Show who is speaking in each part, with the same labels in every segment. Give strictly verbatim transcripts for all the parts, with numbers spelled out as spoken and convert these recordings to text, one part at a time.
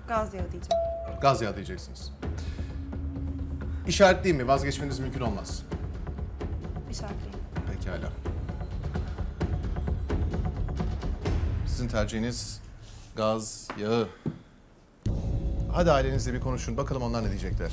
Speaker 1: Gaz yağı diyeceğim.
Speaker 2: Gaz yağı diyeceksiniz. İşaretleyeyim mi? Vazgeçmeniz mümkün olmaz.
Speaker 1: İşaretleyeyim.
Speaker 2: Pekala. Sizin tercihiniz gaz yağı. Hadi ailenizle bir konuşun. Bakalım onlar ne diyecekler.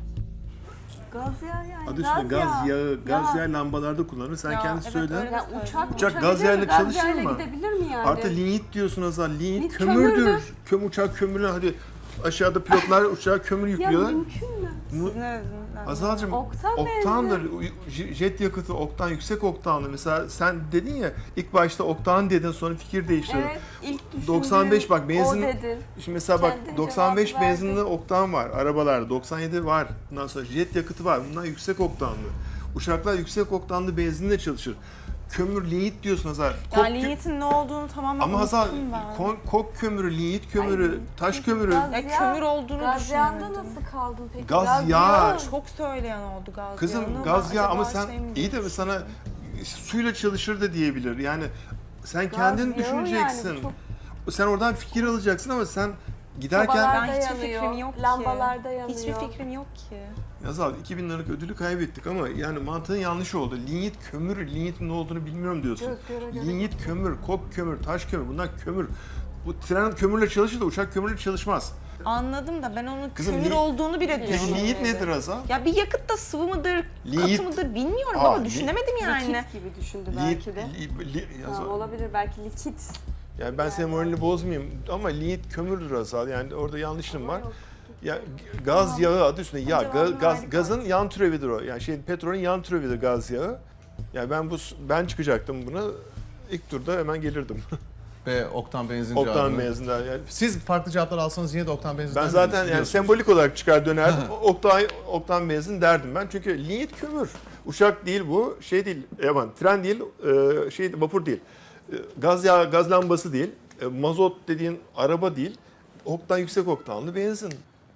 Speaker 3: Gaz yağı yani.
Speaker 4: Adı üstünde gaz yağı, gaz yağı lambalarda kullanılır. Sen
Speaker 1: Ya,
Speaker 4: kendisi
Speaker 1: evet,
Speaker 4: söyle.
Speaker 1: öyle
Speaker 3: Ya
Speaker 1: söyledi.
Speaker 3: uçak,
Speaker 4: Uçak gaz yağıyla
Speaker 3: gaz
Speaker 4: çalışır
Speaker 3: yağıyla
Speaker 4: mı?
Speaker 3: gidebilir mi yani?
Speaker 4: Artı lignit diyorsun Azal. Lignit
Speaker 3: Lignit
Speaker 4: kömürdür.
Speaker 3: kömürdür.
Speaker 4: Köm uçak kömürle hadi aşağıda pilotlar uçağa kömür
Speaker 3: Ya
Speaker 4: yüklüyorlar.
Speaker 3: mümkün mü?
Speaker 4: Mu-
Speaker 1: Siz ne dediniz?
Speaker 4: Azalcığım
Speaker 3: Oktan
Speaker 4: oktandır. Jet yakıtı oktan, yüksek oktanlı. Mesela sen dedin ya ilk başta oktan dedin sonra fikir değiştirdin.
Speaker 3: Evet, ilk düşündüğüm
Speaker 4: doksan beş bak benzin.
Speaker 3: o dedin.
Speaker 4: Şimdi mesela bak
Speaker 3: Kendin
Speaker 4: doksan beş
Speaker 3: cevabı verdin.
Speaker 4: benzinli oktan var arabalarda. doksan yedi var. Bundan sonra jet yakıtı var. Bunlar yüksek oktanlı. Uçaklar yüksek oktanlı benzinle çalışır. Kömür, lignit diyorsun Hazar. Kok
Speaker 1: Yani
Speaker 4: kö-
Speaker 1: lignitin ne olduğunu tamamen
Speaker 4: Ama Hazar
Speaker 1: unuttum ben.
Speaker 4: kon- kok kömürü, lignit kömürü,
Speaker 3: Ay,
Speaker 4: taş kömürü.
Speaker 3: Gaz
Speaker 1: Ya
Speaker 3: yağı-
Speaker 1: kömür olduğunu
Speaker 3: Gaz yağında
Speaker 1: düşünmedim.
Speaker 3: nasıl kaldın peki?
Speaker 4: Gaz yağı.
Speaker 1: Çok söyleyen oldu gaz
Speaker 4: Kızım
Speaker 1: yağını.
Speaker 4: gaz
Speaker 1: Ben
Speaker 4: yağı ama
Speaker 1: acaba
Speaker 4: sen
Speaker 1: şey mi
Speaker 4: iyi de mi
Speaker 1: demiştim?
Speaker 4: sana suyla çalışır da diyebilir. Yani sen
Speaker 3: Gaz
Speaker 4: kendin
Speaker 3: yağı
Speaker 4: düşüneceksin.
Speaker 3: yani, çok-
Speaker 4: Sen oradan fikir alacaksın ama sen giderken
Speaker 3: Sobalar-
Speaker 1: Ben hiçbir
Speaker 3: yanıyor,
Speaker 1: fikrim yok ki.
Speaker 3: lambalarda yanıyor.
Speaker 1: Hiçbir fikrim yok ki.
Speaker 4: Yazal iki bin liralık ödülü kaybettik ama yani mantığın yanlış oldu. Lignit kömür, lignitin ne olduğunu bilmiyorum diyorsun.
Speaker 3: Göz göre göre.
Speaker 4: Lignit kömür, kok kömür, taş kömür bunlar kömür. Bu tren kömürle çalışır da uçak kömürle çalışmaz.
Speaker 1: Anladım da ben onun
Speaker 4: Kızım,
Speaker 1: kömür
Speaker 4: li-
Speaker 1: olduğunu bile
Speaker 4: Peki
Speaker 1: düşünmedim.
Speaker 4: lignit nedir Azal?
Speaker 1: Ya bir yakıt da sıvı mıdır,
Speaker 4: Lignit-
Speaker 1: katı mıdır bilmiyorum
Speaker 4: Aa,
Speaker 1: ama
Speaker 4: li-
Speaker 1: düşünemedim yani.
Speaker 3: Likit gibi düşündü
Speaker 4: Lignit,
Speaker 3: belki de.
Speaker 4: li, li,
Speaker 3: Ha,
Speaker 4: Yazal.
Speaker 3: olabilir belki likit.
Speaker 4: Yani ben senin moralini bozmayayım ama lignit kömürdür Azal. Yani orada yanlışım var.
Speaker 3: Yok.
Speaker 4: Ya g- gaz yağı adı üstünde yağ.
Speaker 1: Cevabını
Speaker 4: Ga- gaz,
Speaker 1: verdik
Speaker 4: gazın yan türevidir o. Yani şey petrolün yan türevidir gaz yağı. Yani ben bu ben çıkacaktım buna. İlk turda hemen gelirdim.
Speaker 2: Ve oktan benzin
Speaker 4: Oktan
Speaker 2: cevabını-
Speaker 4: benzinden yani.
Speaker 2: Siz farklı cevaplar alsanız yine de oktan benzinden
Speaker 4: Ben zaten yani
Speaker 2: biliyorsunuz.
Speaker 4: sembolik olarak çıkar dönerdim. oktan oktan benzin derdim ben. Çünkü lignit kömür. Uçak değil bu. Şey değil. Aman tren değil. e, şey vapur değil. E, Gaz yağı, gaz lambası değil. e, Mazot dediğin araba değil. Oktan yüksek oktanlı benzin.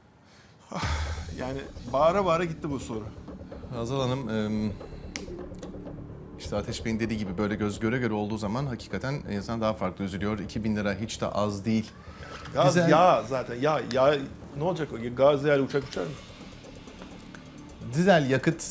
Speaker 4: Ah, Yani bağıra bağıra gitti bu soru.
Speaker 2: Hazal Hanım, em, işte Ateş Bey'in dediği gibi böyle göz göre göre olduğu zaman hakikaten insan daha farklı üzülüyor. iki bin lira hiç de az değil.
Speaker 4: Gaz
Speaker 2: Güzel.
Speaker 4: yağ zaten. Yağ, yağ ne olacak o? Gaz yağıyla uçak uçar mı?
Speaker 2: Dizel yakıt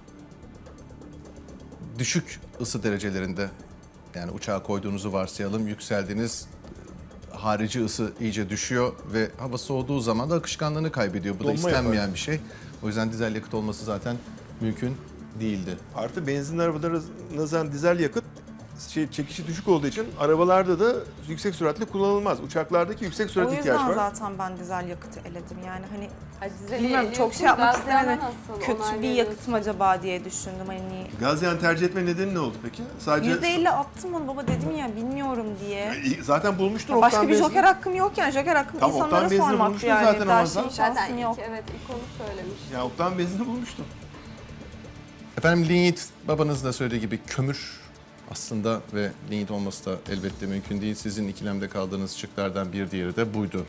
Speaker 2: düşük ısı derecelerinde, yani uçağa koyduğunuzu varsayalım, yükseldiğiniz harici ısı iyice düşüyor ve hava soğuduğu zaman da akışkanlığını kaybediyor. Bu da
Speaker 4: Donma
Speaker 2: istenmeyen
Speaker 4: yapar.
Speaker 2: bir şey. O yüzden dizel yakıt olması zaten mümkün değildi.
Speaker 4: Artı benzinli arabalara nazaran dizel yakıt şey çekişi düşük olduğu için arabalarda da yüksek süratle kullanılmaz. Uçaklardaki yüksek
Speaker 1: O
Speaker 4: sürat ihtiyaç
Speaker 1: yüzden
Speaker 4: var.
Speaker 1: zaten ben dizel yakıtı eledim. Yani hani
Speaker 3: Ay, dizeli
Speaker 1: bilmiyorum çok
Speaker 3: eliyorsun,
Speaker 1: şey yapmak
Speaker 3: gaz yağına
Speaker 1: istemedim.
Speaker 3: nasıl
Speaker 1: Kötü bir
Speaker 3: onaylıyorsun?
Speaker 1: yakıt mı acaba diye düşündüm. Hani
Speaker 4: Gaz yağını tercih etme nedeni ne oldu peki? Sadece
Speaker 1: yüzde elli attım onu baba dedim ya bilmiyorum diye.
Speaker 4: E, zaten bulmuştur
Speaker 1: Ya başka
Speaker 4: oktan
Speaker 1: bir
Speaker 4: benzin.
Speaker 1: joker hakkım yok yani. Joker hakkım
Speaker 4: Tamam, oktan
Speaker 1: insanlara
Speaker 4: benzini
Speaker 1: sormaktı
Speaker 4: bulmuştun
Speaker 1: yani.
Speaker 4: zaten
Speaker 1: Daha
Speaker 4: ama
Speaker 1: şey
Speaker 4: sen-
Speaker 3: Zaten
Speaker 1: şansım
Speaker 3: ilk,
Speaker 1: yok.
Speaker 3: evet ilk onu söylemiş.
Speaker 4: Ya oktan benzini bulmuştum.
Speaker 2: Efendim lignit, babanız da söylediği gibi kömür aslında ve lignit olması da elbette mümkün değil. Sizin ikilemde kaldığınız şıklardan bir diğeri de buydu.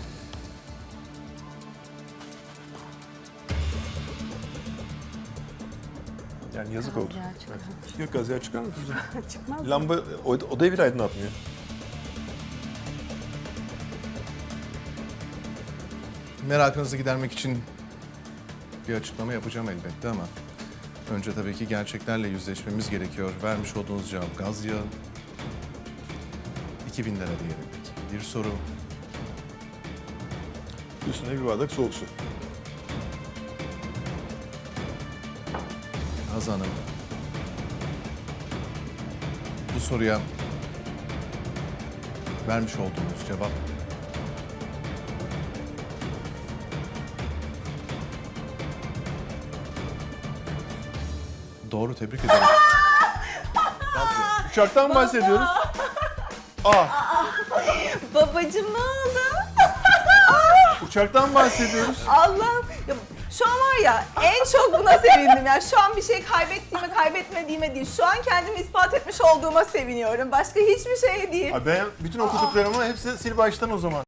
Speaker 4: Yani yazık oldu.
Speaker 3: Gaz yağı çıkar.
Speaker 4: Yok gaz yağı çıkar mı kızım?
Speaker 3: Çıkmaz.
Speaker 4: Lamba o- odayı bir aydınlatmıyor.
Speaker 2: Merakınızı gidermek için bir açıklama yapacağım elbette ama önce tabii ki gerçeklerle yüzleşmemiz gerekiyor. Vermiş olduğunuz cevap gaz yağı. iki bin lira diyelim peki. Bir soru.
Speaker 4: Üstüne bir bardak soğuk su.
Speaker 2: Hazan Hanım. Bu soruya vermiş olduğunuz cevap doğru, tebrik ederim.
Speaker 4: Uçaktan bahsediyoruz. Ah,
Speaker 1: Babacım ne oldu?
Speaker 4: uçaktan bahsediyoruz.
Speaker 1: Allah'ım. Ya, şu an var ya en çok buna sevindim. Yani şu an bir şey kaybettiğime kaybetmediğime değil. Şu an kendimi ispat etmiş olduğuma seviniyorum. Başka hiçbir şey değil.
Speaker 4: Abi ben bütün okuduklarımı hepsi sil baştan o zaman.